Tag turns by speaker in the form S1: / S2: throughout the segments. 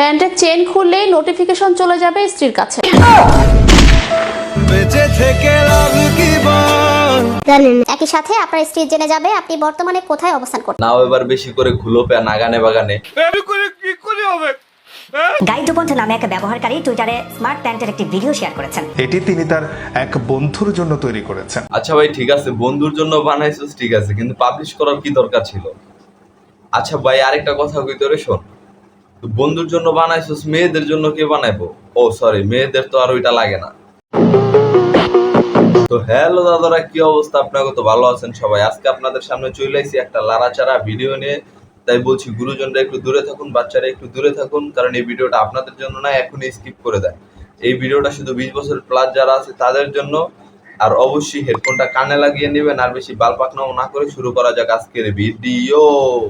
S1: প্যান্টের চেন খুললেই নোটিফিকেশন চলে যাবে স্ত্রীর কাছে।
S2: একই সাথে আপনার স্ত্রী জেনে যাবে আপনি বর্তমানে কোথায় অবস্থান করছেন।
S3: নাও এবার বেশি করে খুলো প্যান আগানে বাগানে।
S4: গাইডোপন্থ নামে এক ব্যবহারকারী টুইটারে স্মার্ট প্যান্টের একটি ভিডিও শেয়ার করেছেন।
S5: এটি তিনি তার এক বন্ধুর জন্য তৈরি করেছেন।
S3: আচ্ছা ভাই ঠিক আছে, বন্ধুর জন্য বানাইছিস ঠিক আছে, কিন্তু পাবলিশ করার কি দরকার ছিল? আচ্ছা ভাই আরেকটা কথা কই তোরে শোন, বন্ধুর জন্য বানাইছিস, মেয়েদের জন্য কে বানাইবো? ও সরি, মেয়েদের তো আর ওইটা লাগে না। তো হ্যালো দাদারা, কি অবস্থা? আপনারা তো ভালো আছেন সবাই? আজকে আপনাদের সামনে চলে আসছি একটা লাড়াচাড়া ভিডিও নিয়ে। তাই বলছি গুরুজনরা একটু দূরে থাকুন, বাচ্চারা একটু দূরে থাকুন, কারণ এই ভিডিওটা আপনাদের জন্য না, এখনই স্কিপ করে দেন। এই ভিডিওটা শুধু 20 বছর প্লাস যারা আছে তাদের জন্য। আর অবশ্যই হেডফোনটা কানে লাগিয়ে নেবেন, আর বেশি বালপাকনাও না করে শুরু করা যাক আজকের ভিডিও।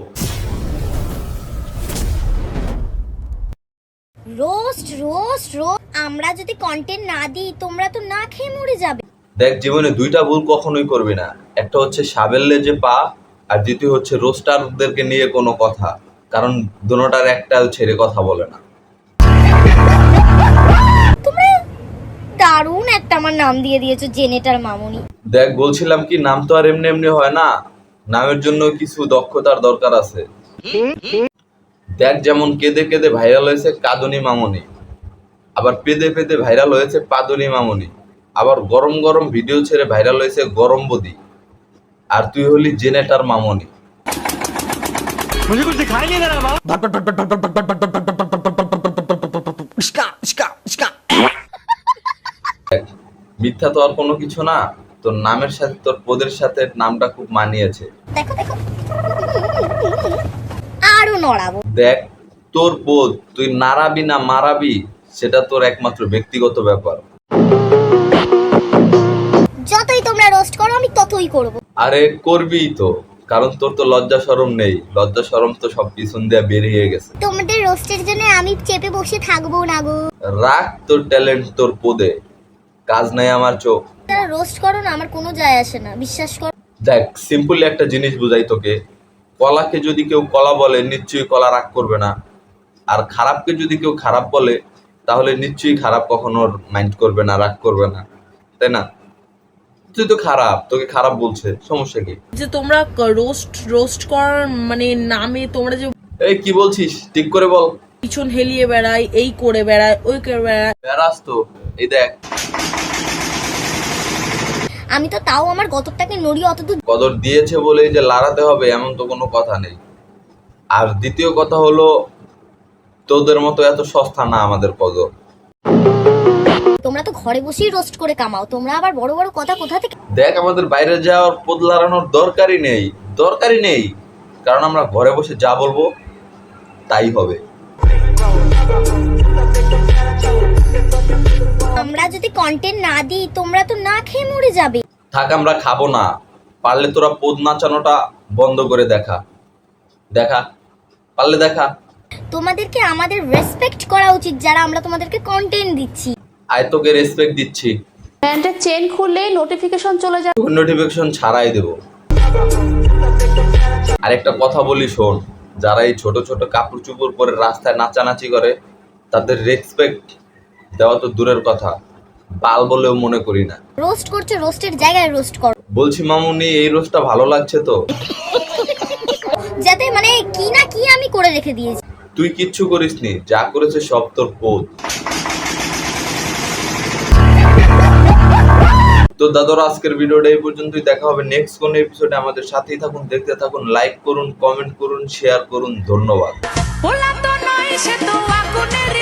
S2: রোস্ট রোস্ট রোস্ট আমরা যদি কন্টেন্ট না দিই তোমরা তো না খেয়ে মরে যাবে।
S3: দেখ, জীবনে দুইটা ভুল কখনোই করবি না। একটা হচ্ছে সাবেল্লে যে পা, আর দ্বিতীয় হচ্ছে রোস্টারদেরকে নিয়ে কোনো কথা, কারণ দুটোটার একটা ছেড়ে কথা বলে না।
S2: তোমরা দারুণ একটা আমার নাম দিয়ে দিয়েছো, জেনেটার মামুনি।
S3: দেখ বলছিলাম কি, নাম তো আর এমনি এমনি হয় না, নামের জন্য কিছু দক্ষতার দরকার আছে। দেখ, যেমন কেঁদে কেঁদে ভাইরাল হয়েছে কাঁদুনি মামুনি, আবার পেদে পেদে ভাইরাল হয়েছে পাদুনি মামুনি, আবার গরম গরম ভিডিও ছেড়ে ভাইরাল হয়েছে গরম বদি, আর তুই হলি জেনেটার মামুনি। মিথ্যা তো আর কোনো কিছু না, তোর নামের সাথে তোর পদের সাথে নামটা খুব মানিয়েছে।
S2: দেখো দেখো আরো নড়াবো।
S3: দেখ, তোর পদ তুই নাড়াবি না মারাবি সেটা তোর একমাত্র ব্যক্তিগত ব্যাপার।
S2: যতই তোমরা রোস্ট করো আমি ততই করব।
S3: আরে করবিই তো, কারণ তোর তো লজ্জা শরম নেই। লজ্জা শরম তো সব পিছন দিয়ে বেরিয়ে গেছে।
S2: তোমাদের রোস্টের জন্য আমি চেপে বসে থাকবো না গো।
S3: রাখ তোর ট্যালেন্ট তোর পদে, কাজ নাই আমার চোখ।
S2: তারা রোস্ট করো না, আমার কোনো যায় আসে না, বিশ্বাস করো।
S3: দেখ, সিম্পলি একটা জিনিস বুঝাই তোকে। কলাকে যদি কেউ কলা বলে নিশ্চয়ই কলা রাগ করবে না, আর খারাপকে যদি কেউ খারাপ বলে তাহলে নিশ্চয়ই খারাপ কখনো মাইন্ড করবে না, রাগ করবে না, তাই না? তুই তো খারাপ, তোকে খারাপ বলছে, সমস্যা কি?
S6: যে তোমরা রোস্ট করার মানে নামে তোমরা যে
S3: এই কি বলছিস ঠিক করে বল।
S6: পিছন হেলিয়ে বেড়ায়, এই করে বেড়ায়, ওই করে বেড়ায়।
S3: বেড়াস তো, এই দেখ।
S2: আমি তো তাও আমার গতরটাকে নড়িয়ে অতদূর।
S3: কদর দিয়েছে বলেই যে লড়াতে হবে এমন তো কোনো কথা নেই। আর দ্বিতীয় কথা হলো, তোদের মতো এত সস্তা না আমাদের কদর।
S2: তোমরা তো ঘরে বসেই রোস্ট করে কামাও, তোমরা আবার বড় বড় কথা কোথা থেকে?
S3: দেখ, আমাদের বাইরে যাওয়ার পদ লড়ানোর দরকারই নেই, কারণ আমরা ঘরে বসে যা বলবো তাই হবে।
S2: আমরা যদি কন্টেন্ট না দিই তোমরা তো না খেয়ে মরে যাবে।
S3: থাক, আমরা খাবো না। পারলে তোরা পদ নাচানোটা বন্ধ করে দেখা, পারলে দেখা।
S2: তোমাদেরকে আমাদের রেসপেক্ট করা উচিত, যারা আমরা তোমাদেরকে কন্টেন্ট দিচ্ছি।
S3: আয় তোকে রেসপেক্ট দিচ্ছি।
S1: প্যান্টের চেন খুললেই নোটিফিকেশন চলে যাবে।
S3: নোটিফিকেশন ছাড়াই দেব। আরেকটা কথা বলি শোন, যারা এই ছোট ছোট কাপড় চুপড় পরে রাস্তায় নাচানাচি করে তাদের রেসপেক্ট দেওয়া তো দূরের কথা, বাল বলেও মনে করি না।
S2: রোস্ট করছো, রোস্টের জায়গায় রোস্ট করো।
S3: বলছি মামুনি, এই রোস্টটা ভালো লাগছে তো?
S2: যাতে মানে কি না কি আমি করে রেখে দিয়েছি।
S3: তুই কিচ্ছু করিসনি, যা করেছে সব তোর পদ। তো দাদারা, আজকের ভিডিওটা এই পর্যন্তই। দেখা হবে নেক্সট কোন এপিসোডে। আমাদের সাথেই থাকুন, দেখতে থাকুন, লাইক করুন, কমেন্ট করুন, শেয়ার করুন। ধন্যবাদ।